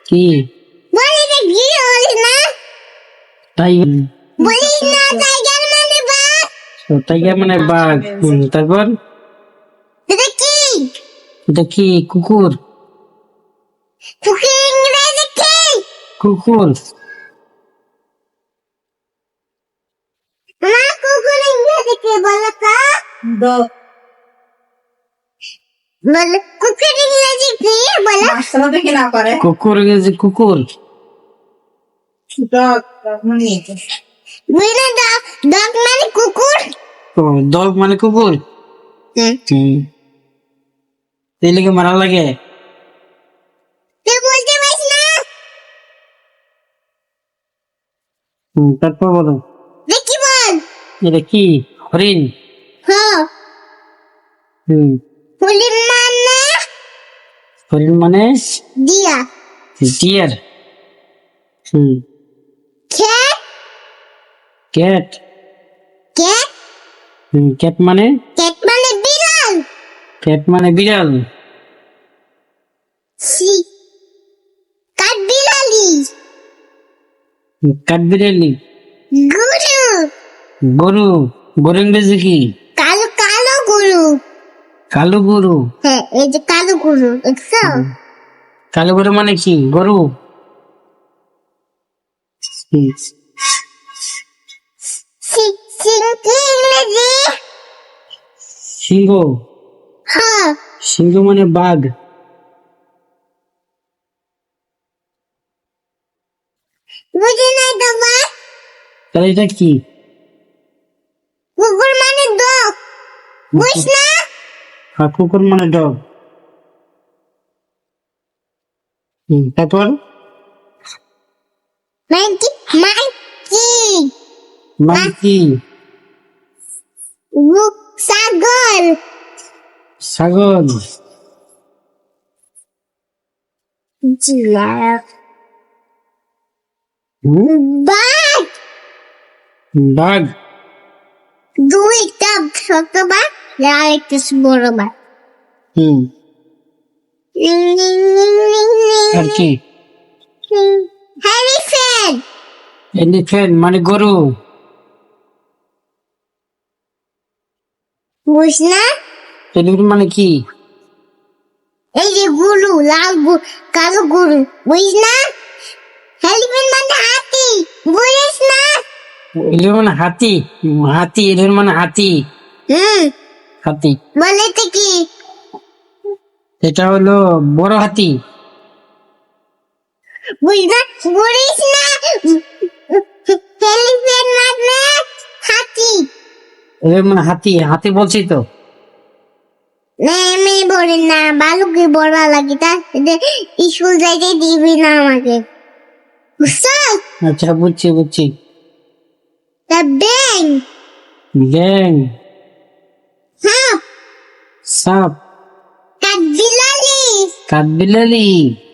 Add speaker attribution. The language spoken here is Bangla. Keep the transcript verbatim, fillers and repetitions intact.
Speaker 1: কি
Speaker 2: বলি না কি বলিস না
Speaker 1: টাইগার?
Speaker 2: বলিস না টাইগার মানে বাঘ।
Speaker 1: টাইগার মানে বাঘ। হুম, তারপর
Speaker 2: এটা কি?
Speaker 1: এটা কি? কুকুর।
Speaker 2: কুকুর ইংরেজি কি?
Speaker 1: কুকুর।
Speaker 2: মা কুকুর ইংরেজি কি বলো তো?
Speaker 3: Dog.
Speaker 2: বলো কুকুর ইংরেজি কি বলো?
Speaker 3: মাস্টার দেখি না পারে।
Speaker 1: কুকুর ইংরেজি কুকুর।
Speaker 3: Dog. Dog মানে এটা।
Speaker 2: বুঝলে ডগ ডগ মানে কুকুর।
Speaker 1: ডগ মানে কুকুর।
Speaker 2: হুম
Speaker 1: হুম, এই লেগে মারা লাগে।
Speaker 2: তুই বলতে পারিস না?
Speaker 1: হুম, তারপর বলো।
Speaker 2: দেখি বল।
Speaker 1: এটা কি? হরিণ।
Speaker 2: হ্যাঁ
Speaker 1: হুম,
Speaker 2: বলি মানে
Speaker 1: হরিণ মানে
Speaker 2: দিয়া
Speaker 1: ডিয়ার। হুম,
Speaker 2: cat
Speaker 1: ক্যাট।
Speaker 2: cat
Speaker 1: হুম, ক্যাট মানে
Speaker 2: cat মানে বিড়াল।
Speaker 1: ক্যাট মানে বিড়াল।
Speaker 2: সি কাঠ বিড়ালি
Speaker 1: কাঠ বিড়ালি।
Speaker 2: গরু
Speaker 1: গরু। গরু ইংরেজি কি?
Speaker 2: কালো কালো গরু।
Speaker 1: কালো গরু।
Speaker 2: হ্যাঁ এই যে কালো গরু দেখছো?
Speaker 1: কালো গরু মানে কি? গরু। হুম,
Speaker 2: সি সিং কি ইংরেজি?
Speaker 1: সিংহ।
Speaker 2: হ্যাঁ
Speaker 1: সিংহ মানে বাঘ।
Speaker 2: বুঝি নাই তো মা।
Speaker 1: তাহলে এটা কি?
Speaker 2: কুকুর মানে ডগ বুঝ না?
Speaker 1: আর কুকুর মানে ডগ। হুম, তারপর
Speaker 2: মাইকি মাইকি
Speaker 1: মাংকি।
Speaker 2: বুক ছাগল
Speaker 1: ছাগল।
Speaker 2: জিরাফ
Speaker 1: হুম,
Speaker 2: বাঘ
Speaker 1: বাঘ।
Speaker 2: দুইটা ছোট বাঘ আর একটা বড় বাঘ।
Speaker 1: হুম, আর কি?
Speaker 2: এলিফ্যান্ট
Speaker 1: এলিফ্যান্ট মানে গরু।
Speaker 2: বুঝ না?
Speaker 1: এলিফ্যান্ট মানে কি?
Speaker 2: এই যে গরু লাল গরু কালো গরু বুঝ না? এলিফ্যান্ট মানে হাতি বুঝিস না?
Speaker 1: এলিফ্যান্ট মানে হাতি। হুম, হাতি। এলিফ্যান্ট মানে হাতি।
Speaker 2: হুম
Speaker 1: হাতি।
Speaker 2: বলে তো কি?
Speaker 1: এটা হলো বড় হাতি।
Speaker 2: বুঝ না বুঝিস না? এলিফ্যান্ট মানে হাতি।
Speaker 1: এলিফ্যান্ট মানে হাতি। হাতি বলছি তো।
Speaker 2: না আমি বলি না বালুকে বড় লাগে তা স্কুল যাইতে দিবি না আমাকে বুঝছো?
Speaker 1: আচ্ছা, বুঝছি বুঝছি।
Speaker 2: তা ব্যাং
Speaker 1: গ্যাং।
Speaker 2: সাপ
Speaker 1: সাপ।
Speaker 2: কাঠবিলালি
Speaker 1: কাঠবিড়ালি।